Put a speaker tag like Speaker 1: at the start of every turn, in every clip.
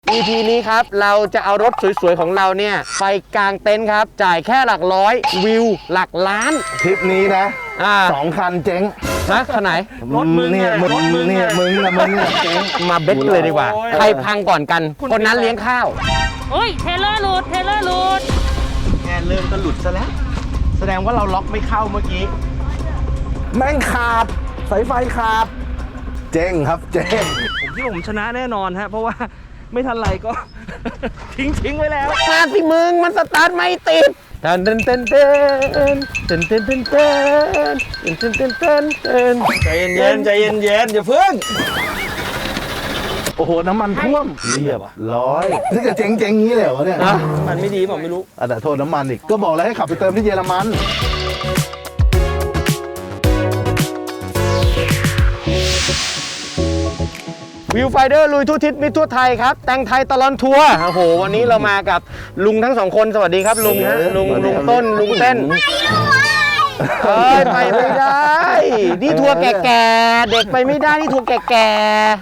Speaker 1: EP นี้ครับเราจะเอารถสวยๆของเราเนี่ยไปกางเต็นท์ครับจ่ายแค่หลักร้อยวิวหลักล้าน
Speaker 2: ทริปนี้นะ2 คันเจ๊ง
Speaker 1: นะขนาดไหน
Speaker 2: รถมึงเนี่ยมึงเนี่ยเจ๊ง
Speaker 1: มาเบ็ดกันเลยดีกว่าใครพังก่อนกันคนนั้นเลี้ยงข้าว
Speaker 3: โอ้ยเทเลอร์หลุด
Speaker 1: แง่เริ่มก็หลุดซะแล้วแสดงว่าเราล็อกไม่เข้าเมื่อกี้
Speaker 2: แม่งขาดสายไฟขาดเจ๊งครับเจ๊ง
Speaker 4: ผมชนะแน่นอนฮะเพราะว่าไม่ทันไรก็ ทิ้งไว้แล้ว
Speaker 1: มาสิมึงมันสตาร์ทไม่ติดเต้นใจเย็นอย่าเพิ่ง
Speaker 2: โอ้โหน้ำมันท่วมเรียบร้อยนี่จะเจ๊งงี้เลยเหรอเนี่ย
Speaker 4: มันไม่ดีผมไม่รู้
Speaker 2: แต่โทษน้ำมันอีกก็บอกแล้วให้ขับไปเติมที่เยอรมัน
Speaker 1: วิวไฟเดอร์ลุยทั่วทิศมิตรทั่วไทยครับแต่งไทยตลอดทัวร์โอ้โหวันนี้เรามากับลุงทั้งสองคนสวัสดีครับลุงฮะลุงต้นลุงเต้นไปไม่ได้นี่ทัวร์แก่ๆเด็กไปไม่ได้นี่ทัวร์แก่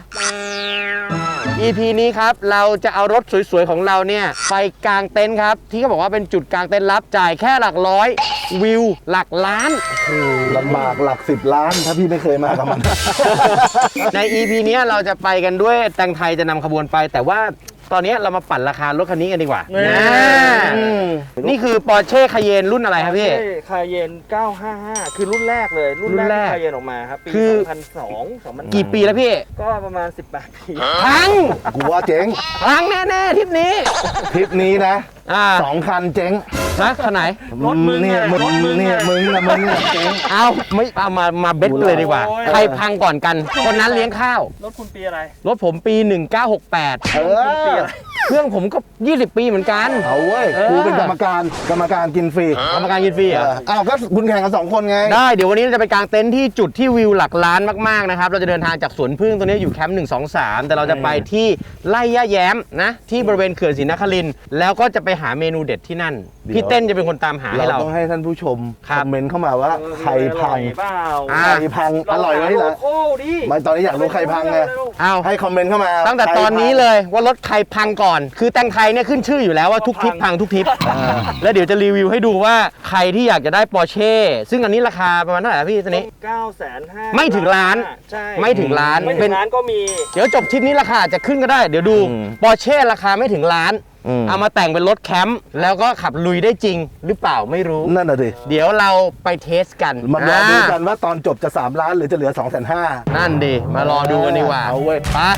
Speaker 1: ๆ EP นี้ครับเราจะเอารถสวยๆของเราเนี่ยไปกางเต็นท์ครับที่เขาบอกว่าเป็นจุดกางเต็นท์ลับจ่ายแค่หลักร้อยวิวหลักล้าน
Speaker 2: ลำบากหลัก10 ล้านถ้าพี่ไม่เคยมากับมัน
Speaker 1: ใน EP นี้เราจะไปกันด้วยแต่งไทยจะนำขบวนไปแต่ว่าตอนนี้เรามาปั่นราคารถคันนี้กันดีกว่านี่คือ Porsche Cayenne รุ่นอะไรครับพี่
Speaker 4: Cayenne 955คือรุ่นแรกเลยรุ่นแรก Cayenne ออกมาครับปี2002
Speaker 1: กี่ปีแล้วพี่
Speaker 4: ก็ประมาณ18 ปี
Speaker 1: พัง
Speaker 2: กูว่าเจ๊ง
Speaker 1: พังแน่ๆทริปนี้
Speaker 2: นะ2 คันเจ๊ง
Speaker 1: นะขนาดไหน
Speaker 4: รถมึงเนี่ย
Speaker 2: มึงเนี่ยเจ๊ง
Speaker 1: เอาไม่เอามาเบ็ดเลยดีกว่าใครพังก่อนกันคนนั้นเลี้ยงข้าว
Speaker 4: รถคุณปีอะไร
Speaker 1: รถผมปี1968เครื่องผมก็20 ปีเหมือนกัน
Speaker 2: เอาเว้ยกูเป็นกรรมการกินฟรี
Speaker 1: เหรอ
Speaker 2: อ้าวก็คุณแข่งกัน2 คนไง
Speaker 1: ได้เดี๋ยววันนี้เราจะไปกางเต็นท์ที่จุดที่วิวหลักล้านมากๆนะครับเราจะเดินทางจากสวนพึ่งตัวนี้อยู่แคมป์1 2 3แต่เราจะไปที่ไร่ย่าแย้มนะที่บริเวณเขื่อนศรีนครินทร์แล้วก็จะไปหาเมนูเด็ดที่นั่นพี่เต้นจะเป็นคนตามหาให้เรา
Speaker 2: ต้องให้ท่านผู้ชมคอมเมนต์เข้ามาว่าใครพังอร่อยไหมล่ะไม่ตอนนี้อยากรู้ใครพังไงให้คอมเมนต์เข้ามา
Speaker 1: ตั้งแต่ตอนนี้เลยว่ารถใครพังก่อนคือแต่งไทยเนี่ยขึ้นชื่ออยู่แล้วว่าทุกทริปพังทุกทริปแล้วเดี๋ยวจะรีวิวให้ดูว่าใครที่อยากจะได้ Porsche ซึ่งอันนี้ราคาประมาณเท่าไหร่พี่ตัวนี้
Speaker 4: 950,000
Speaker 1: ไม่ถึงล้านไม่ถึงล้าน
Speaker 4: ก็มี
Speaker 1: เดี๋ยวจบทริปนี้ราคาจะขึ้นก็ได้เดี๋ยวดู Porsche ราคาไม่ถึงล้านเอามาแต่งเป็นรถแคมป์แล้วก็ขับลุยได้จริงหรือเปล่าไม่รู้
Speaker 2: นั่นน่ะดิ
Speaker 1: เดี๋ยวเราไปเทสกัน
Speaker 2: มารอดูกันว่าตอนจบจะ3 ล้านหรือจะเหลือ 250,000
Speaker 1: นั่นดิมารอดูกันดีกว่า
Speaker 2: เอาเว้ย
Speaker 1: ไป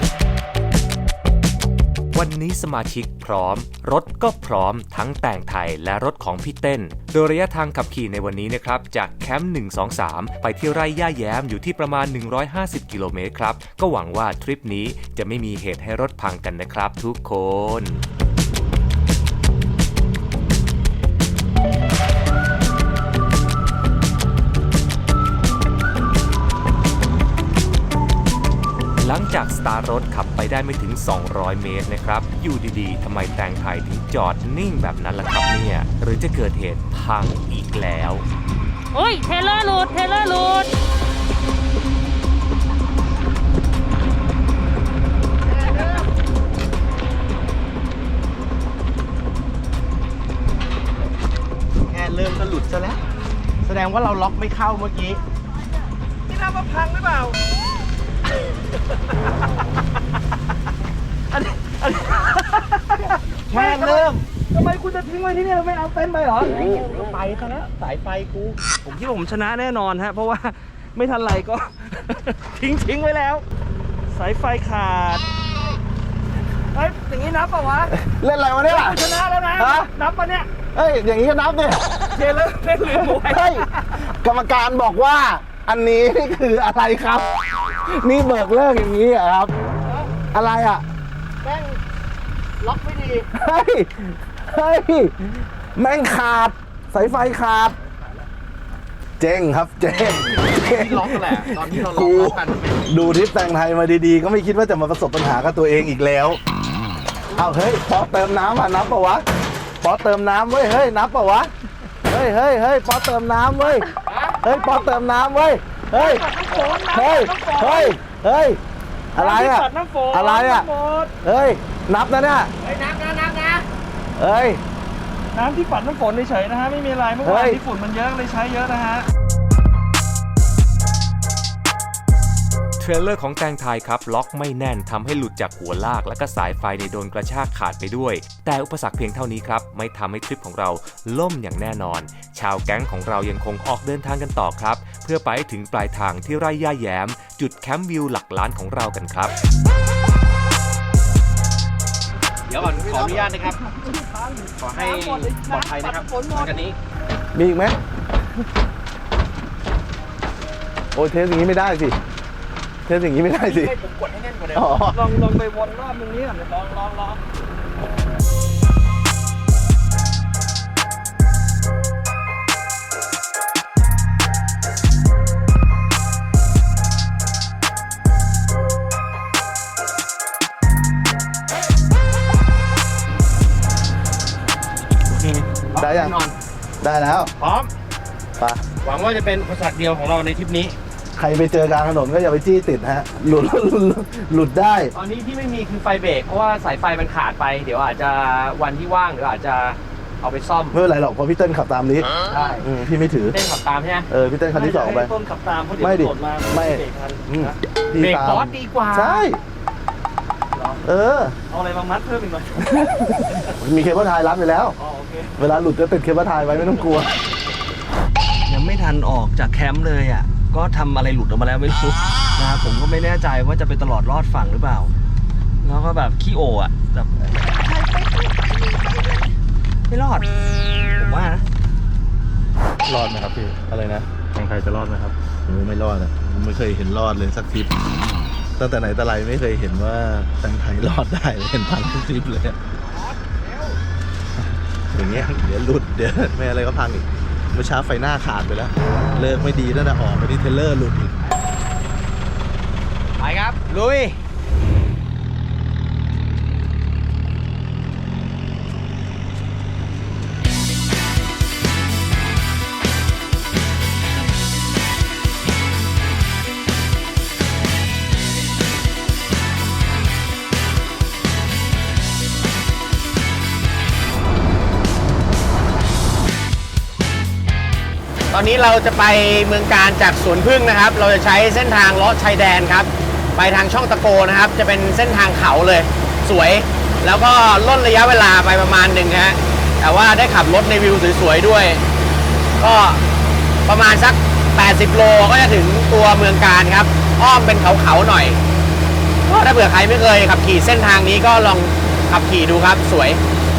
Speaker 5: วันนี้สมาชิกพร้อมรถก็พร้อมทั้งแต่งไทยและรถของพี่เต้นโดยระยะทางขับขี่ในวันนี้นะครับจากแคมป์123ไปที่ไร่ย่าแย้มอยู่ที่ประมาณ150 กิโลเมตรครับก็หวังว่าทริปนี้จะไม่มีเหตุให้รถพังกันนะครับทุกคนหลังจากสตาร์ทรถขับไปได้ไม่ถึง200 เมตรนะครับอยู่ดีๆทำไมแต่งไทยถึงจอดนิ่งแบบนั้นล่ะครับเนี่ยหรือจะเกิดเหตุพังอีกแล้ว
Speaker 3: โอ้ยเทเลอร์หลุด
Speaker 1: แง่เริ่มก็หลุดซะแล้วแสดงว่าเราล็อกไม่เข้าเมื่อกี้
Speaker 4: นี่นับว่าพังหรือเปล่า
Speaker 1: แง่เริ่ม
Speaker 4: ทำไมคุณจะทิ้งไว้ที่นี่เราไม่เอาเต็นท์ไปเหรอ
Speaker 1: ไปซะแล้วสายไฟกู
Speaker 4: ผมคิดว่าผมชนะแน่นอนฮะเพราะว่าไม่ทันไรก็ ทิ้งไว้แล้วสายไฟขาดเฮ้ยอย่างนี้นับเปล่าวะ
Speaker 2: เล่นอะไรวะเนี่ย
Speaker 4: ชนะแล้วนะนับปะเนี่ย
Speaker 2: เฮ้ยอย่างนี้ก็นับเนี่ย
Speaker 4: เล่นลืมไว้
Speaker 2: เฮ้ยกรรมการบอกว่าอันนี้นี่คืออะไรครับนี่เบิกเลิกอย่างนี้เหรอครับอะไรอ่ะ
Speaker 4: แม่งล็อกไม่ดี
Speaker 2: เฮ้ยแม่งขาดสายไฟขาดเจ๊งครับเจ๊ง
Speaker 1: ล็อกแหละตอนที่เราล็อกกัน
Speaker 2: ดูทริปแต่งไทยมาดีๆก็ไม่คิดว่าจะมาประสบปัญหากับตัวเองอีกแล้วเอาเฮ้ยพอเติมน้ำอ่ะนับปะวะพอเติมน้ำเว้ยเฮ้ยนับปะวะเฮ้ยพอเติมน้ำเว้ยพอเติมน้ำเว้ยเฮ้ยอะไรอ่ะอะไรอ่ะเฮ้ยนับนะเนี่ย
Speaker 1: เฮ้ยนับนะ
Speaker 2: เอ้ย
Speaker 4: น้ำที่ปัดน้ำฝนเฉยๆนะฮะไม่มีอะไรเมื่อวาน
Speaker 2: เฮ้ย
Speaker 4: ที่ฝุ่นมันเยอะเลยใช้เยอะนะฮะ
Speaker 5: เทรลเลอร์ของแตงไทยครับล็อกไม่แน่นทำให้หลุดจากหัวลากและก็สายไฟในโดนกระชากขาดไปด้วย แต่อุปสรรคเพียงเท่านี้ครับไม่ทำให้ทริปของเราล่มอย่างแน่นอน ชาวแก๊งของเรายังคงออกเดินทางกันต่อครับเพื่อไปให้ถึงปลายทางที่ไร่ย่าแย้ม จุดแคมป์วิวหลักล้านของเรากันครับ
Speaker 1: เดี๋ยวก่อนขออนุญาตนะครับ ขอให้ปลอดภัยนะครับหลังจากนี้
Speaker 2: มีอีกไหมโอ้ยเทสอย่างนี้ไม่ได้สิ เทสอย่างนี้ไม่ได้สิ
Speaker 1: ให้ผมกดให้แน่นกว่าเดิม
Speaker 2: อ๋อ
Speaker 4: ลองไปวนรอบตรงนี้ก่อนลอง
Speaker 2: ได้ยัง
Speaker 1: แน่นอน
Speaker 2: ได้แล้ว
Speaker 1: พร้อม
Speaker 2: ไป
Speaker 1: หวังว่าจะเป็นอุปสรรคเดียวของเราในทริปนี้
Speaker 2: ใครไปเจอกลางถนนก็อย่าไปจี้ติดฮะ หลุดได้
Speaker 1: ตอนนี้ที่ไม่มีคือไฟเบรกเพราะว่าสายไฟมันขาดไป เดี๋ยวอาจจะวันที่ว่างเดี๋ยวอาจจะเอาไปซ่อม
Speaker 2: ไม่เป็นไรหรอกเพราะพี่เติ้ลขับตามนี้
Speaker 1: ใช่
Speaker 2: พี่ไม่ถือ
Speaker 1: เต้นขับตามใช่ไหม
Speaker 2: พี่เติ้ลคันที่สองไป
Speaker 4: ให้ต้นขับตามเพราะเดี๋ยว
Speaker 2: ไม่ดิ
Speaker 4: ตำรวจมา
Speaker 2: ไม่
Speaker 4: เบรกทัน
Speaker 2: อืม
Speaker 4: นะ
Speaker 2: พี่
Speaker 1: เบรก
Speaker 2: ตาม
Speaker 1: บอสดีกว่า
Speaker 2: ใช่ เออ
Speaker 4: เอาอะไรมามัดเพิ่มอีกหน่อย
Speaker 2: มีเคเบิลไทยรับอยู่แล้ว
Speaker 4: อ๋อโอเค
Speaker 2: เวลาหลุดจะติดเคเบิลไทยไว้ไม่ต้องกลัว
Speaker 4: ยังไม่ทันออกจากแคมป์เลยอ่ะ ก็ทำอะไรหลุดออกมาแล้วไม่รู้นะครับผมก็ไม่แน่ใจว่าจะไปตลอดรอดฝั่งหรือเปล่า แล้วก็แบบขี้โออ่ะแบบไม่รอด ผมว่านะ
Speaker 2: รอดไหมครับพี่ อะไรนะ
Speaker 4: ทางไทยจะรอดไหมครับ
Speaker 2: ไม่รอดอ่ะไม่เคยเห็นรอดเลยสักทริปตั้งแต่ไหนแต่ไรไม่เคยเห็นว่าแตงไทยรอดได้เลยเห็นพังทุกทริปเลยอะอย่างเงี้ยเดี๋ยวหลุดเดี๋ยวไม่อะไรก็พังอีกเมื่อเช้าไฟหน้าขาดไปแล้ว เลิกไม่ดีตั้งแต่ออกไปที่เทรลเลอร์หลุดอีก
Speaker 1: ไปครับ ลุย ตอนนี้เราจะไปเมืองการจากสวนพึ่งนะครับ เราจะใช้เส้นทางเลาะชายแดนครับ ไปทางช่องตะโกนะครับ จะเป็นเส้นทางเขาเลย สวย แล้วก็ล่นระยะเวลาไปประมาณหนึ่งฮะ แต่ว่าได้ขับรถในวิวสวยๆด้วย ก็ประมาณสัก 80 โลก็จะถึงตัวเมืองการครับ อ้อมเป็นเขาๆหน่อย ก็ถ้าเผื่อใครไม่เคยขับขี่เส้นทางนี้ก็ลองขับขี่ดูครับ สวย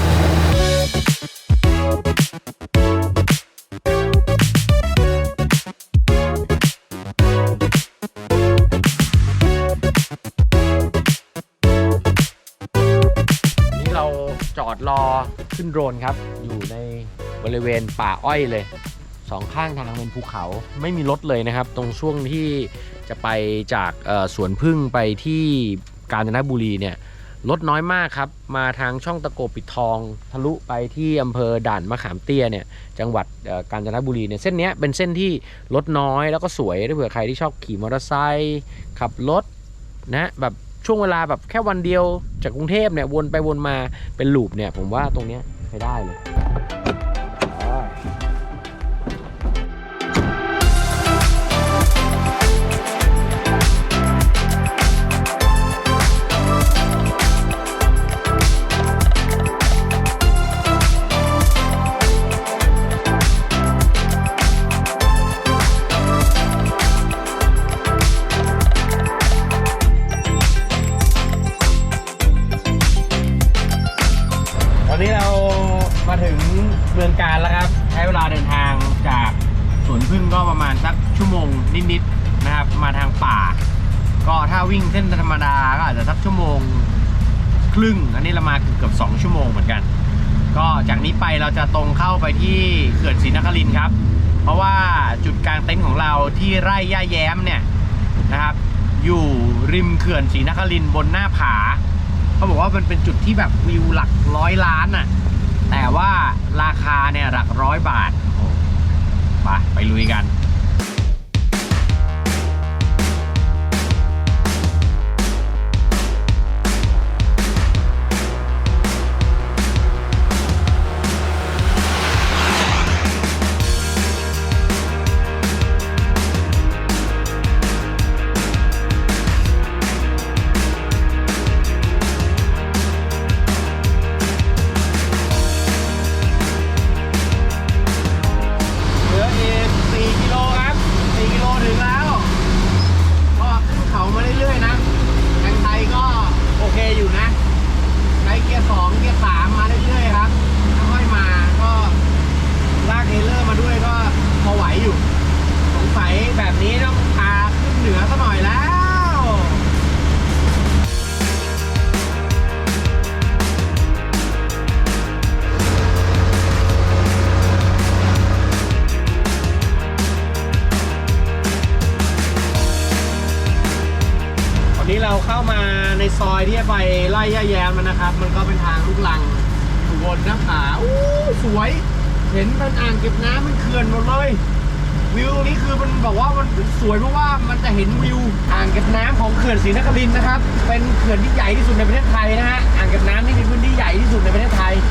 Speaker 1: นี่เราจอดรอขึ้นโดรนครับ อยู่ในบริเวณป่าอ้อยเลยสองข้างทางเป็นภูเขาไม่มีรถเลยนะครับ ตรงช่วงที่จะไปจากสวนพึ่งไปที่กาญจนบุรีเนี่ยรถน้อยมากครับ มาทางช่องตะโกปิดทองทะลุไปที่อำเภอด่านมะขามเตี้ยเนี่ยจังหวัดกาญจนบุรีเนี่ยเส้นนี้เป็นเส้นที่รถน้อยแล้วก็สวยถ้าเผื่อใครที่ชอบขี่มอเตอร์ไซค์ขับรถนะแบบช่วงเวลาแบบแค่วันเดียวจากกรุงเทพเนี่ยวนไปวนมาเป็นลูปเนี่ยผมว่าตรงเนี้ยใช้ได้เลย ตอนนี้เรามาถึงเมืองการแล้วครับ ใช้เวลาเดินทางจากสวนพึ่งก็ประมาณสักชั่วโมงนิดๆนะครับ มาทางป่า ก็ถ้าวิ่งเส้นธรรมดาก็อาจจะสักชั่วโมงครึ่ง อันนี้เรามาเกือบ2 ชั่วโมงเหมือนกัน ก็จากนี้ไปเราจะตรงเข้าไปที่เขื่อนศรีนครินทร์ครับ เพราะว่าจุดกลางเต็นท์ของเราที่ไร่ย่าแย้มเนี่ยนะครับ อยู่ริมเขื่อนศรีนครินทร์บนหน้าผา เขาบอกว่ามันเป็นจุดที่แบบวิวหลัก100 ล้านน่ะ แต่ว่าราคาเนี่ยหลัก100 บาทไปลุยกัน
Speaker 2: เ
Speaker 1: ซอยที่ไปไล่ย่าแย้มมันนะครับ มันก็เป็นทางลูกลังอยู่บนหน้าผาอู้สวย เห็นเป็นอ่างเก็บน้ำเป็นเขื่อนหมดเลยวิวตรงนี้คือมันบอกว่ามันสวยเพราะว่ามันจะเห็นวิวอ่างเก็บน้ำของเขื่อนศรีนครินทร์นะครับเป็นเขื่อนที่ใหญ่ที่สุดในประเทศไทยนะฮะอ่างเก็บน้ำนี่มีพื้นที่ใหญ่ที่สุดในประเทศไทย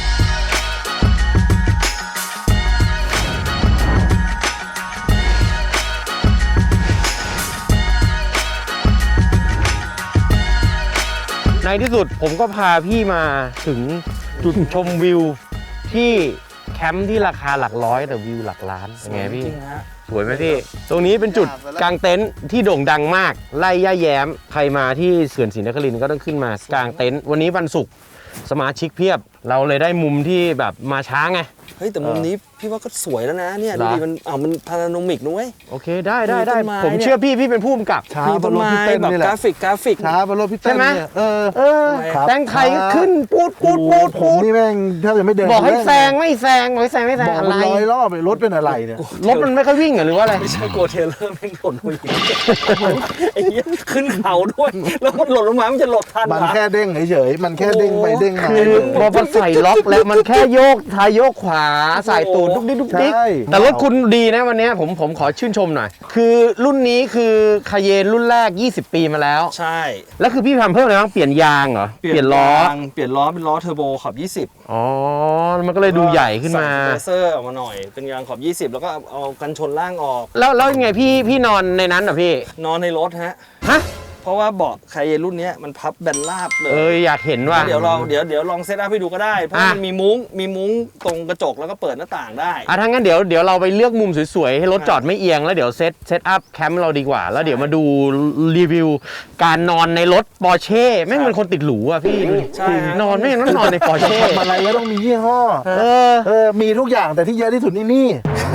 Speaker 1: ในที่สุดผมก็พาพี่มาถึงจุดชมวิวที่แคมป์ที่ราคาหลักร้อยแต่วิวหลักล้านเป็นไงพี่สวยไหมพี่ตรงนี้เป็นจุดกางเต็นท์ที่โด่งดังมากไล่ย่าแย้มใครมาที่เขื่อนศรีนครินทร์ก็ต้องขึ้นมากางเต็นท์วันนี้วันศุกร์สมาชิกเพียบเราเลยได้มุมที่แบบมาช้าไง
Speaker 4: เฮ้ยแต่มุมนี้พี่ว่าก็สวยแล้วนะเนี่ย
Speaker 1: เหร
Speaker 4: ดู
Speaker 1: อ
Speaker 4: ดิมันพาราโนมิกนุ้ย
Speaker 1: โอเคได้
Speaker 4: มีต้นไม้
Speaker 1: ผมเชื่อพี่เป็นผู้กำกับ
Speaker 2: ช้า
Speaker 4: มี
Speaker 2: บ
Speaker 4: ต้
Speaker 2: น
Speaker 4: น
Speaker 2: รถ
Speaker 4: ไม้
Speaker 2: พี่เต้น
Speaker 4: แบบ
Speaker 2: นี่แหละ
Speaker 4: กราฟิก
Speaker 2: ช้าบนรถพี่เต้น
Speaker 1: ใช่ไหม
Speaker 2: เนี่ย
Speaker 1: แซงไทยก็ขึ้นปูด
Speaker 2: ผมนี่แม่งแทบจะไม่เดิน
Speaker 1: บอกให้แซงไม่แซงบอกให้แซงไม่แซง
Speaker 2: บอก
Speaker 1: อะ
Speaker 2: มัน
Speaker 1: ไร
Speaker 2: ร้อยรอบไปรถเป็นอะไรเนี่ย
Speaker 1: รถมันไม่ค่อยวิ่งหรือว่าอะไร
Speaker 4: ไม่ใช่โกเทเลอร์แม่งหล่นลงมาไอ้เหี้ยขึ้นเขาด้วย แล้วมันหล่นลงมามันจะหลบทัน
Speaker 2: มัน
Speaker 4: เหรอ
Speaker 2: แค่เด้งเฉยๆมันแค่เด้งไปเด้งมา
Speaker 1: คือพอมันใส่ล็อกแล้วมันแค่โยกท้ายโยกขวาใส่ตูดดุกดิกดุกดิก
Speaker 2: ใช่
Speaker 1: แต่รถคุณดีนะวันนี้ผมขอชื่นชมหน่อย คือรุ่นนี้คือคาเยนรุ่นแรก 20 ปีมาแล้ว
Speaker 4: ใช่
Speaker 1: แล้วคือพี่ทำเพิ่มอะไรบ้างเปลี่ยนยางเหรอเปลี่ยนล้อ
Speaker 4: ยางเปลี่ยนล้อเป็นล้อเทอร์โบขอบ 20
Speaker 1: อ๋อมันก็เลยดูใหญ่ขึ้นมา
Speaker 4: ใส่สเปเซอร์ออกมาหน่อยเป็นยางขอบ 20 แล้วก็เอากันชนล่างออก
Speaker 1: แล้วยังไงพี่นอนในนั้นเหรอพี่
Speaker 4: นอนในรถฮะ
Speaker 1: ฮะ
Speaker 4: เพราะว่าเบาะไคเยนรุ่นเนี้ยมันพับแบนราบเลย
Speaker 1: อยากเห็นว่า
Speaker 4: เดี๋ยวลองเซตอัพให้ดูก็ได้ เพราะมันมีมุ้งตรงกระจกแล้วก็เปิดหน้าต่างได้
Speaker 1: ถ้างั้นเดี๋ยวเราไปเลือกมุมสวยๆ ให้รถจอดไม่เอียง แล้วเดี๋ยวเซตอัพแคมป์เราดีกว่า แล้วเดี๋ยวมาดูรีวิวการนอนในรถปอร์เช่แม่งเป็นคนติดหรูอ่ะพี่
Speaker 4: ใช่ฮะ
Speaker 1: นอนไม่งต้องนอนในปอร์
Speaker 2: จะ
Speaker 1: เช่
Speaker 2: ทำอะไรก็ต้องมียี่ห้อ มีทุกอย่างแต่ที่เยอะที่สุดนี่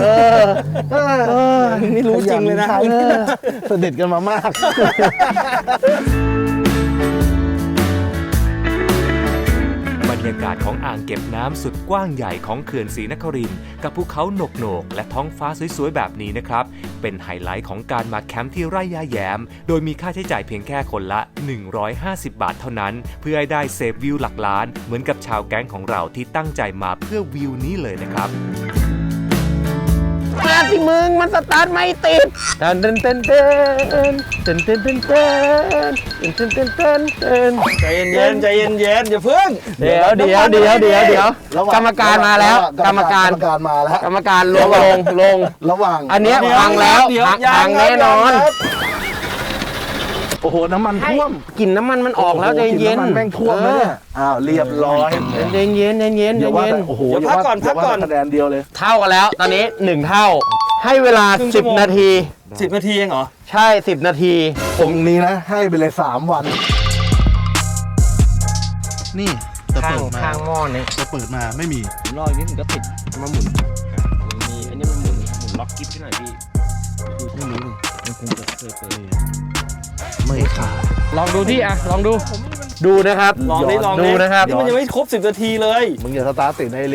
Speaker 4: นี่รู้จริงเลยนะ
Speaker 2: ใช่สนิทกันมามาก
Speaker 5: บรรยากาศของอ่างเก็บน้ำสุดกว้างใหญ่ของเขื่อนศรีนครินทร์กับภูเขาโหนกๆและท้องฟ้าสวยๆแบบนี้นะครับเป็นไฮไลท์ของการมาแคมป์ที่ไร่ย่าแย้มโดยมีค่าใช้จ่ายเพียงแค่คนละ 150 บาทเท่านั้นเพื่อให้ได้เซฟวิวหลักล้านเหมือนกับชาวแก๊งของเราที่ตั้งใจมาเพื่อวิวนี้เลยนะครับ
Speaker 1: มาสิมึงมันสตาร์ทไม่ติดเต้นเต้นเต้นเต้นเต้นเต้นเต้นเต้นเต้นเต้นเต้นเต้น
Speaker 4: ใจเย็นอย่าเพิ่ง
Speaker 1: เดี๋ยวกรรมการมาแล้วกรรมการลง
Speaker 2: ระหว่าง
Speaker 1: อันเนี้ยพังแล้วพังแน่นอน
Speaker 2: โอ้โหน้ำมันท่วม
Speaker 1: กลิ่นน้ำมันมันออกแล้วใจเย็น
Speaker 2: น้ำมันแม่งท่วมแล้วเนี่ยอ้าวเรียบร้อย
Speaker 1: ใจเย็น
Speaker 2: อย่าว่าแต่โอ้โห
Speaker 4: พักก่อน
Speaker 2: คะแนนเดียวเลย
Speaker 1: เท่ากันแล้วตอนนี้1เท่าให้เวลา
Speaker 4: ครึ่งชั่วโมง
Speaker 1: 10 นาที
Speaker 4: 10 นาทีเองเหรอ
Speaker 1: ใช่ 10 นาที
Speaker 2: ผมนี้นะให้ไปเลย3 วัน นี่จะเปิดมา
Speaker 1: ข้างหม้อนี้
Speaker 2: จะเปิดมาไม่มี
Speaker 4: ผมรออีกนิดนึงก็ติด
Speaker 1: มาหมุนมีอันนี้มันหมุนล็อกกิ๊บให้หน่อยพี่
Speaker 2: ไม่รู้เลยมันคงจะเคยเปิดไม่ขาด
Speaker 1: ลองดูที่ลองดูนะครับ
Speaker 4: ลอง
Speaker 1: ดูนะครับ
Speaker 4: นี่มันยังไม่ครบ 10 นาทีเลย
Speaker 2: มึงอย่าสตาร์ทติดในลิ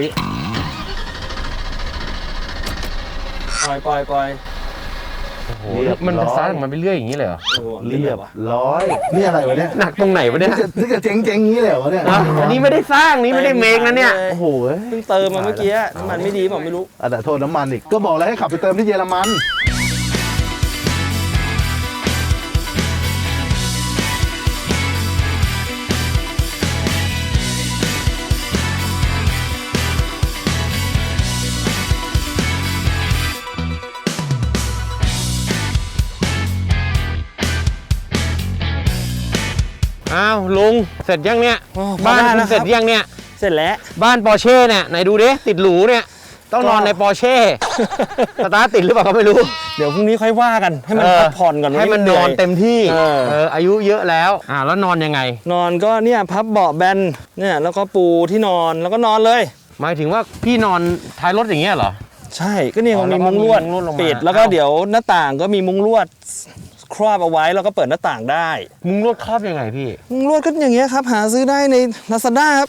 Speaker 4: ปล่อย
Speaker 1: โอ้โหมันสตาร์ทมันไปเรื่อยอย่างนี้เลยเหรอ
Speaker 4: โอ้โห
Speaker 2: เรียบร้อยนี่อะไรวะเนี่ย
Speaker 1: หนักตรงไหนวะเนี่ย
Speaker 2: นี่จะเจ๊งๆงี้เลยเหรอวะเนี่ย
Speaker 1: อันนี้ไม่ได้สร้างนี่ไม่ได้เมคนะเนี่ย
Speaker 2: โอ้โห
Speaker 4: เพิ่งเติมมาเมื่อกี้น้ำมันไม่ดีบอกไม่รู้
Speaker 2: แต่โทษน้ำมันอีกก็บอกแล้วให้ขับไปเติมที่เยอรมัน
Speaker 1: อ้าวลุงเสร็จยังเนี่ย
Speaker 4: อ๋อ
Speaker 1: บ้าน
Speaker 4: พอได้
Speaker 1: คุ
Speaker 4: แล้
Speaker 1: ณ
Speaker 4: วครับ
Speaker 1: เสร็จยังเนี่ย
Speaker 4: เสร็จแล้ว
Speaker 1: บ้านปอร์เช่เนี่ยไหนดูดิติดหรูเนี่ยต้องนอนในปอร์เช่สตาร์ทติดหรือเปล่าก็ไม่รู้
Speaker 4: เดี๋ยวพรุ่งนี้ค่อยว่ากันให้มันพักผ่อนก่อน
Speaker 1: ให้มันนอนเต็มที่ อายุเยอะแล้วแล้วนอนยังไง
Speaker 4: นอนก็เนี่ยพับเบาะแบนเนี่ยแล้วก็ปูที่นอนแล้วก็นอนเลย
Speaker 1: หมายถึงว่าพี่นอนท้ายรถอย่างเงี้ยเหรอ
Speaker 4: ใช่ก็เนี่ย
Speaker 1: อ๋อ
Speaker 4: มีมุ้งลวด
Speaker 1: แล้วก็มีมุ้งลวดลงมา
Speaker 4: ปิดแล้วก็
Speaker 1: อ้าว
Speaker 4: เดี๋ยวหน้าต่างก็มีมุ้งลวดครอบเอาไว้แล้วก็เปิดหน้าต่างได้
Speaker 1: มุ้งลวดครอบยังไงพี่
Speaker 4: มุ้งลวดก็อย่างเงี้ยครับหาซื้อได้ใน Lazada ครับ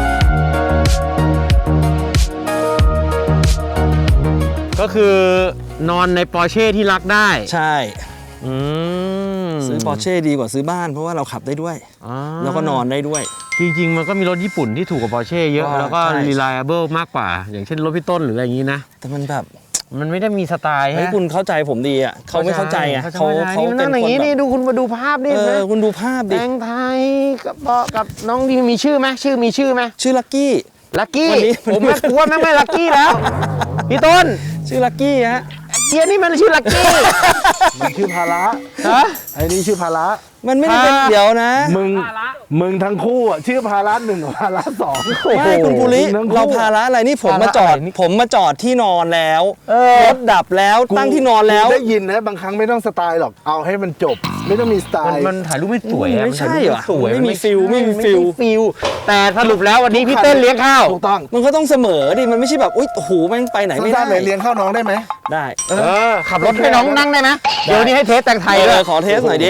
Speaker 1: ก็คือนอนในปอร์เช่ที่รักได้
Speaker 4: ใช่
Speaker 1: อืม
Speaker 4: ซื้อปอร์เช่ดีกว่าซื้อบ้านเพราะว่าเราขับได้ด้วย
Speaker 1: อ่า
Speaker 4: แล้วก็นอนได้ด้วย
Speaker 1: จริงๆมันก็มีรถญี่ปุ่นที่ถูกกว่าปอร์เช่เยอะ
Speaker 4: ก็
Speaker 1: แล้วก็
Speaker 4: ใช่
Speaker 1: reliable มากกว่า อย่างเช่นรถพี่ต้นหรืออะไรอย่างนี้นะ
Speaker 4: แต่มันแบบ
Speaker 1: มันไม่ได้มีสไตล์
Speaker 4: เฮ้ย
Speaker 1: ฮะ
Speaker 4: คุณเข้าใจผมดีอ่ะเขาไม่เข้าใจอ่ะเขา
Speaker 1: นี่มัน
Speaker 4: เป็
Speaker 1: นั่
Speaker 4: น
Speaker 1: งอ
Speaker 4: ค
Speaker 1: ย่าน งนี้
Speaker 4: แบ
Speaker 1: นี่
Speaker 4: บ
Speaker 1: ดูคุณมาดูภาพนี่
Speaker 4: เอ
Speaker 1: นะ
Speaker 4: อคุณดูภาพดิ
Speaker 1: แตงไทยกับน้องที่มีชื่อไหมชื่อมีชื่อไหม
Speaker 4: ชื่อลักกี้
Speaker 1: ลักกี้
Speaker 4: วันนี้
Speaker 1: ผมไม่กลัวไม่ลักกี้แล้วพี่ต้น
Speaker 4: ชื่อลักกี้ฮะ
Speaker 1: เกียร์นี่มันชื่อลักกี้
Speaker 2: มันชื่อภาระ
Speaker 1: ฮะ
Speaker 2: ไอ้นี่ชื่อภาระ
Speaker 4: มันไม่ได้เป็น
Speaker 1: อ่า
Speaker 4: เดี๋ยวนะ
Speaker 2: มึงทั้งคู่อ่ะชื่อภาระ1กับภาระ2
Speaker 4: ไม่คุณภูริ
Speaker 2: ทั้งคู่
Speaker 4: เราภาระอะไรนี่ผมมาจอด
Speaker 1: ภาระอะไรนี่
Speaker 4: ผมมาจอดที่นอนแล้ว
Speaker 1: เออ
Speaker 4: รถดับแล้วตั้งที่นอนแล้ว
Speaker 2: กูได้ยินนะบางครั้งไม่ต้องสไตล์หรอกเอาให้มันจบ ไม่ต้องมีสไตล์
Speaker 1: มันถ่ายรูปไม่สวยอะ
Speaker 4: ไม่ใช่
Speaker 1: นถ่ายรูป
Speaker 4: เหรอ
Speaker 1: สวย
Speaker 4: ไม่มีฟิล
Speaker 1: ใช่
Speaker 4: ไม่มีฟิล
Speaker 1: ฟิลแต่สรุปแล้ววันนี้พี่เต้นเลี้ยงข้าว
Speaker 2: ถูกต้อง
Speaker 4: มันก็ต้องเสมอดิมันไม่ใช่แบบอุ้ยโอ้โหแม่งไปไหนไม่ได้
Speaker 2: สั้นๆเลยเลี้ยงข้าวน้องได้ไหม
Speaker 4: ได้
Speaker 1: ขับรถให้น้องนั่งได้ไหมเดี๋ยววันนี้ให้เทสแต่งไทยเลย
Speaker 4: ขอเทสหน่อยดิ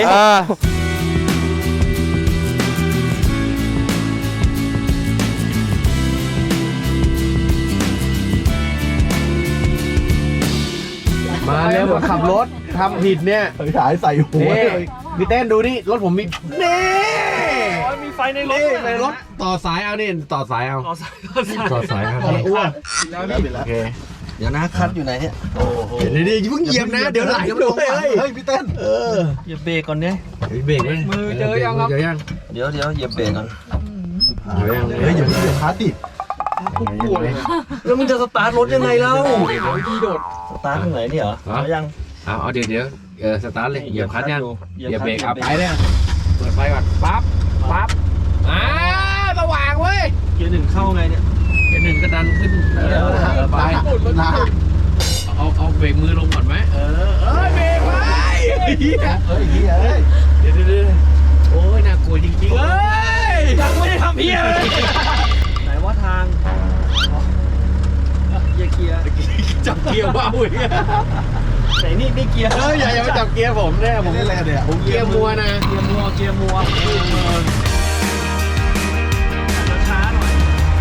Speaker 1: มาเร็วขับรถทำผิดเนี่ย
Speaker 2: เฮ้ยถ่ายใส่หัว
Speaker 1: นี่
Speaker 2: เลย
Speaker 1: พี่เต้นดูนี่รถผมมีนี่
Speaker 4: มีไฟในรถ
Speaker 1: ในรถต่อสายเอานี่ต่อสายเอาต่อสายเอา
Speaker 2: อ้วน
Speaker 1: โอเค
Speaker 4: เดี๋ยวนะคัดอยู่ไหนเนี่ย
Speaker 1: เดี๋ยวเพิ่งเหยียบนะเดี๋ยวไหลเลย
Speaker 2: เฮ้ยพี่เต้น
Speaker 4: เหยียบเบรกก่อนเนี่ย
Speaker 1: เบรกเลยมือเจอยังครับเจอยัง
Speaker 4: เดี๋ยวเหยียบเบรกก่อน
Speaker 1: เจอยัง
Speaker 2: เฮ้ยอย่าเพิ่งเดือดคาติด
Speaker 4: แล้วมึงจะสตาร์ทรถยังไงเล่าสตาร์ทตรงไหนเนี่ยเหรอเอายัง
Speaker 1: เอาเดี๋ยวสตาร์ทเลยเหยียบคลัตช์ยัง
Speaker 4: เหยียบ
Speaker 1: เหยียบ
Speaker 4: คลัตช์
Speaker 1: เบรกเอาไปเลยเปิดไฟก่อนปั๊บสว่างเว้ย
Speaker 4: เกียร์หนึ่งเข้าไงเนี่ย
Speaker 1: เดี๋ยวหนึ่งก็ดันขึ้นไป
Speaker 2: นะ
Speaker 1: เอาเบรกมือลงก่อนไหมเบรกไว้เดี๋ยวโอ้ยน่ากลัวจริงๆเอ้ยยังไม่ได้ทำเพี้ยเลย
Speaker 4: ไหนว่าทางเกียร์
Speaker 1: จับเกียร์ว้าวเว้ย
Speaker 4: ไหนนี่เกียร์
Speaker 1: อย่ามาจับเกียร์ผมเนี่ยผม
Speaker 2: เล่นอะไรกันเนี่ย
Speaker 1: เกียร์มัวนะ
Speaker 4: เกียร์มัวช้าหน่อย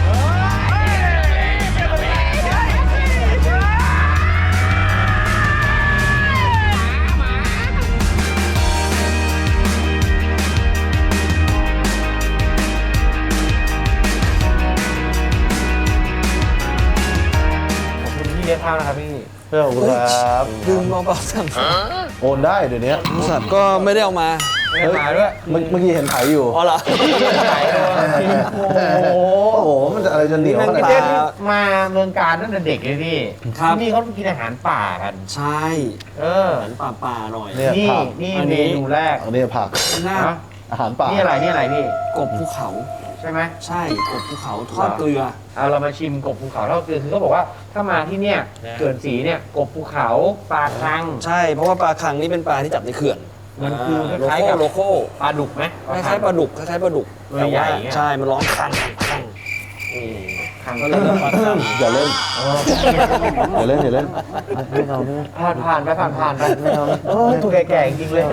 Speaker 1: พี่เลี้ยงข้าวนะครับพี่
Speaker 2: เพื่อนครับ
Speaker 4: ลืมเบาๆสั่ง
Speaker 2: โอนได้เดี๋ยวนี้
Speaker 4: บริษัทก็ไม่ได้เอามา
Speaker 1: ไม่ได้มาด้วย
Speaker 2: เมื่อกี้เห็นถ่ายอยู่
Speaker 4: อ๋อเหรอ
Speaker 1: ขายเลย
Speaker 2: โอ้โหมันจะอะไรจะเหนียวขนาด
Speaker 1: พี่
Speaker 2: นั้
Speaker 1: เต้น
Speaker 2: น
Speaker 1: มาเมืองการตั้งแต่เด็กเลยพี่
Speaker 4: ครับ
Speaker 1: ที่นี่เขากินอาหารป่ากัน
Speaker 4: ใช่
Speaker 1: เออ
Speaker 4: เหมือนป่าหน่อย
Speaker 2: เนี่ย
Speaker 1: นี่
Speaker 2: ผัก
Speaker 1: นี่
Speaker 4: อันนี้
Speaker 1: เมนูแรก
Speaker 2: อันนี้ผัก
Speaker 4: หน้า
Speaker 1: ฮะ
Speaker 2: อาหารป่า
Speaker 1: นี่อะไรพี่
Speaker 4: กบภูเขา
Speaker 1: ใช่ไหม
Speaker 4: ใช่กบภูเขาทอดเกลือ
Speaker 1: เอาเรามาชิมกบภูเขาเท่าเกลือคือเขาบอกว่าถ้ามาที่เนี่ยเขื่อนศรีเนี่ยกบภูเขาปลาคัง
Speaker 4: ใช่เพราะว่าปลาคังนี่เป็นปลาที่จับในเขื่อน
Speaker 1: มันคือ
Speaker 4: โล
Speaker 1: คล้าย
Speaker 4: โก้
Speaker 1: ๆกับ
Speaker 4: โลโก้
Speaker 1: ปลาดุกไหม
Speaker 4: คล้ายๆปลาดุกคล้ายๆปลาดุก
Speaker 1: ตัวใหญ่อย่างเงี้ย
Speaker 4: ใช่มันร้องคัง
Speaker 1: คัง
Speaker 4: ก็เลยเรียกปลาคัง
Speaker 2: อย่าเล่นอย่าเล่นอย่าเล่น
Speaker 1: ผ่านไปเออถูกแก่ๆจริงๆเลย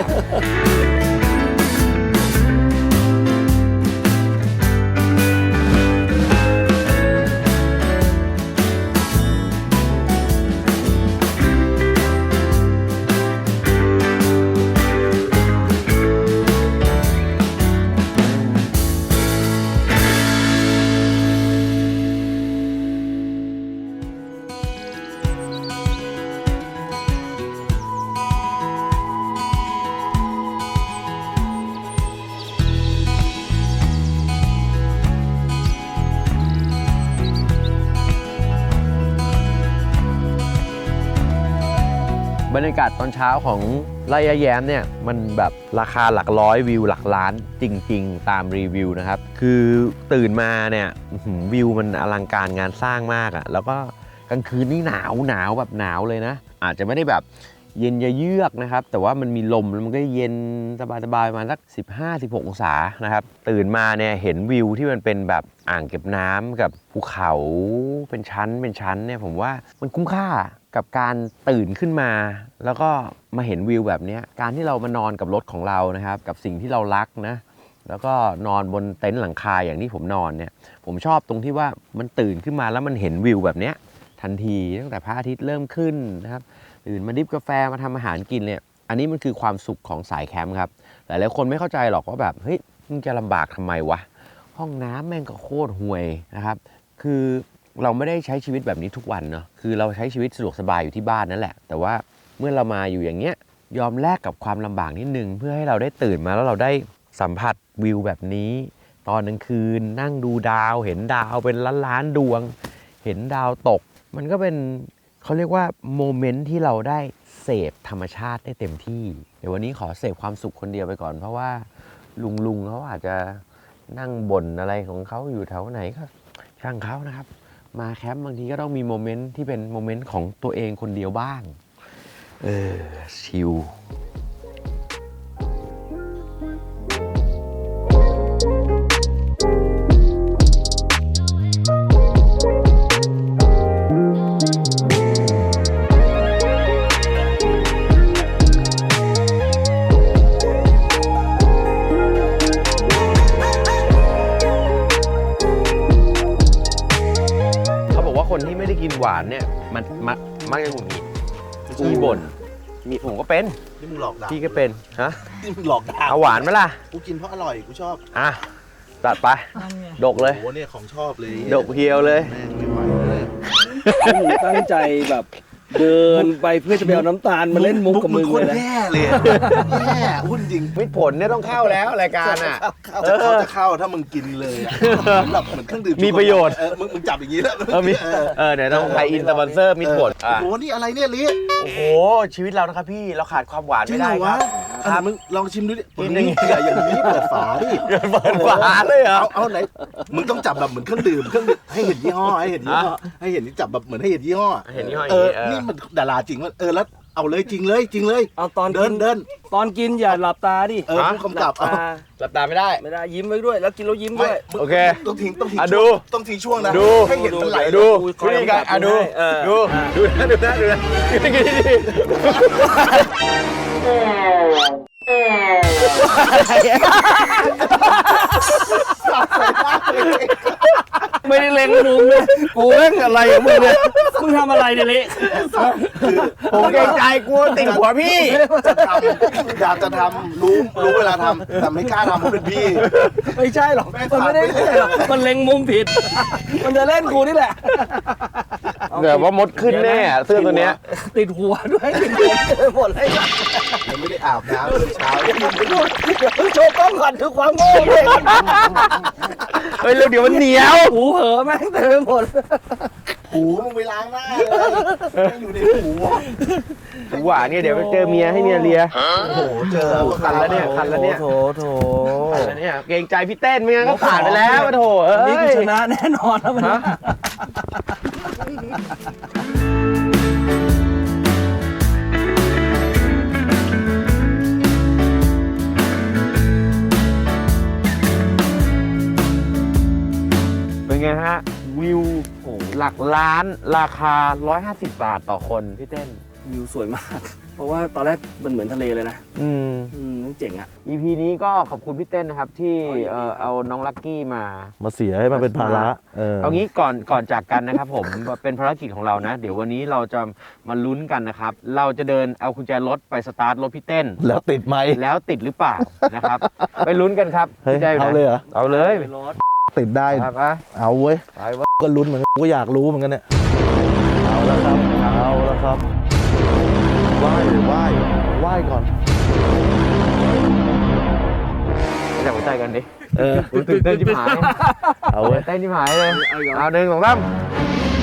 Speaker 1: บรรยากาศตอนเช้าของไร่ยะแย้มเนี่ยมันแบบราคาหลักร้อยวิวหลักล้านจริงๆตามรีวิวนะครับคือตื่นมาเนี่ยวิวมันอลังการงานสร้างมากอะแล้วก็กลางคืนนี่หนาวแบบหนาวเลยนะอาจจะไม่ได้แบบเย็นเยือกนะครับแต่ว่ามันมีลมแล้วมันก็เย็นสบายๆประมาณสัก 15-16 องศานะครับตื่นมาเนี่ยเห็นวิวที่มันเป็นแบบอ่างเก็บน้ำกับภูเขาเป็นชั้นเนี่ยผมว่ามันคุ้มค่ากับการตื่นขึ้นมาแล้วก็มาเห็นวิวแบบนี้การที่เรามานอนกับรถของเรานะครับกับสิ่งที่เรารักนะแล้วก็นอนบนเต็นท์หลังคาอย่างที่ผมนอนเนี่ยผมชอบตรงที่ว่ามันตื่นขึ้นมาแล้วมันเห็นวิวแบบนี้ทันทีตั้งแต่พระอาทิตย์เริ่มขึ้นนะครับตื่นมาดริฟกาแฟมาทำอาหารกินเนี่ยอันนี้มันคือความสุขของสายแคมป์ครับหลายๆคนไม่เข้าใจหรอกว่าแบบเฮ้ยมึงจะลำบากทำไมวะห้องน้ำแม่งก็โคตรห่วยนะครับคือเราไม่ได้ใช้ชีวิตแบบนี้ทุกวันเนาะคือเราใช้ชีวิตสะดวกสบายอยู่ที่บ้านนั่นแหละแต่ว่าเมื่อเรามาอยู่อย่างเงี้ยยอมแลกกับความลำบากนิดนึงเพื่อให้เราได้ตื่นมาแล้วเราได้สัมผัสวิวแบบนี้ตอนกลางคืนนั่งดูดาวเห็นดาวเป็นล้านๆดวงเห็นดาวตกมันก็เป็นเขาเรียกว่าโมเมนต์ที่เราได้เสพธรรมชาติได้เต็มที่เดี๋ยววันนี้ขอเสพความสุขคนเดียวไปก่อนเพราะว่าลุงเขาอาจจะนั่งบ่นอะไรของเขาอยู่แถวไหนก็ช่างเขานะครับมาแคมป์บางทีก็ต้องมีโมเมนต์ที่เป็นโมเมนต์ของตัวเองคนเดียวบ้างชิลคนที่ไม่ได้กินหวานเนี่ยมันมักจะหงุดหงิดขี้บ่นมีผมก็เป็น
Speaker 2: นี่มึงหลอกด่า
Speaker 1: พี่ก็เป็นฮะ
Speaker 2: นี่มึงหลอกด่า
Speaker 1: เอาหวานไหมล่ะ
Speaker 2: กูกินเพราะอร่อยกูชอบ
Speaker 1: อ่ะจัดไปดกเลย
Speaker 2: โอ้โหเนี่ยของชอบเลย
Speaker 1: ดกเพียวเลย
Speaker 2: แม่งไม่ไหวเลย
Speaker 4: ผมตั้งใจแบบเดินไปเพื่อจะไปเอาน้ำตาลมาเล่นมุกกับมึง
Speaker 2: โค
Speaker 4: เล
Speaker 2: ต
Speaker 4: ย
Speaker 2: ร
Speaker 4: นะ
Speaker 2: แย่เลยแย่หุ้นจริง
Speaker 1: มิตรผลเนี่ยต้องเข้าแล้วรายการอ่ะ
Speaker 2: จะเข้าถ้ามึงกินเลยอะเหมือนเครื่องดื่ม
Speaker 1: มีประโยชน์
Speaker 2: มึงจับอย่างนี้แล้ว
Speaker 1: มีเดี๋ยวต้องไปอินสปอนเซอร์มิตรผล
Speaker 2: โอ้โหนี่อะไรเนี่ยลิ
Speaker 1: โอ้โหชีวิตเรานะครับพี่เราขาดความหวาน
Speaker 2: จริ
Speaker 1: ไม่
Speaker 2: งเหร
Speaker 1: ได้
Speaker 2: อ
Speaker 1: คว รับ
Speaker 2: มึงลองชิมดูดิ
Speaker 1: กินอย่างนี้
Speaker 2: อย่างนี้เปิดฝาดิ
Speaker 1: เปิดฝาเลยเหรอ
Speaker 2: เอาไหนมึงต้องจับแบบเหมือนเครื่องดื่มให้เห็นยี่ห้อให้เห็นยี่ห้อให้เห็นจับแบบเหมือนให้เห็นยี่ห้อ
Speaker 1: เห็นยี่ห้ออย่างนี้
Speaker 2: นี่มันดาราจริงวะแล้วเอาเลยจริงเลย
Speaker 4: เอาตอน
Speaker 2: เดิน
Speaker 4: ตอนกินอย่าหลับตาดิ
Speaker 2: ผู้กำกับ
Speaker 4: หลับตา
Speaker 1: หลับตาไม่ได้
Speaker 4: ไม่ได้ยิ้มไว้ด้วย แล้วกินแล้วยิ้มด้วย
Speaker 1: โอเค
Speaker 2: ต้องทิ้ง
Speaker 1: อ่ะดู
Speaker 2: ต้องทิ้งช่วงนะ
Speaker 1: ดู
Speaker 2: ให้เห็นมันไหล
Speaker 1: ดู
Speaker 4: คอย
Speaker 1: นี่กัน
Speaker 4: กำกับ
Speaker 1: ดู
Speaker 4: ให้
Speaker 1: ดูนะกินดี
Speaker 4: ไม่ได้เล็งมุมเลยกูเล่นอะไรของมึงเนี่ยมึงทำอะไรเนี่ยเละ
Speaker 1: ผมเกรงใจกลัวติดหัวพี่
Speaker 2: จะทำอยากจะทำรู้เวลาทำแต่ไม่กล้าทำเพราะเป็นพี่
Speaker 4: ไม่ใช่หรอกมันไม่ได้เล่นหรอกมันเล็งมุมผิด มันจะเล่นกูนี่แหละ
Speaker 1: เดี๋ยวว่ามดขึ้นแน่เสื้อตัวเนี้ย
Speaker 4: ติดหัวด้วยติดหัวหมดเลย
Speaker 2: ยังไม่ได้อาบน้ำเลยเช้า
Speaker 4: เดี๋ยวโชว์กล้องก่อนคือความโง่เลย
Speaker 1: เฮ้ยเดี๋ยวมันเหนียว
Speaker 4: หูเหอะแม่งเต็มไปหมด
Speaker 2: หูมึงไปล้างหน้าเลยไม่อยู่ในหู
Speaker 1: หวานเนี่ยเดี๋ยวไปเจอเมียให้เมียเลีย
Speaker 2: โอ้โหเจอ
Speaker 1: คันแล้วเนี่ยคันแล้วเนี่ย
Speaker 4: โถ
Speaker 1: คันแล้วเนี่ยเกรงใจพี่เต้นไม่งั้นก็ผ่านไปแล้วโถเอ้
Speaker 4: นี่
Speaker 1: ย
Speaker 4: กูชนะแน่นอนแล้วมัน
Speaker 1: ฮะ เป็นไงฮะ วิวหลักล้านราคา 150 บาทต่อคนพี่เต้น
Speaker 4: วิวสวยมาก เพราะว่าตอนแรกมันเหมือนทะเลเลยนะ เจ๋งอ่ะ
Speaker 1: EP นี้ก็ขอบคุณพี่เต้นนะครับที่เอาน้องลักกี้มา
Speaker 2: เสียให้มันเป็นภาระ
Speaker 1: เอางี้ก่อนจากกันนะครับผม เป็นภารกิจของเรานะ เดี๋ยววันนี้เราจะมาลุ้นกันนะครับ เราจะเดินเอากุญแจรถไปสตาร์ทรถพี่เต้น
Speaker 2: แล้วติดไหม
Speaker 1: แล้วติดหรือเปล่านะครับ ไปลุ้นกันครับ
Speaker 2: เฮ้ย
Speaker 1: พี่ใจไหน
Speaker 2: เอาเลยเหรอ
Speaker 1: เอาเลย
Speaker 2: ติดได้
Speaker 1: ครับ
Speaker 2: เอาเว้ย
Speaker 1: ไปวะ
Speaker 2: ก็ลุ้นเหมือนกันก็อยากรู้เหมือนกันเนี่ยเอาแล้วครับไหว้ก่อน
Speaker 1: ไปจับหัวใจกันดิตื่นเต้นชิบหาย
Speaker 2: เอาเว้ย
Speaker 1: เต้นชิบหายเลยเอา1 2 3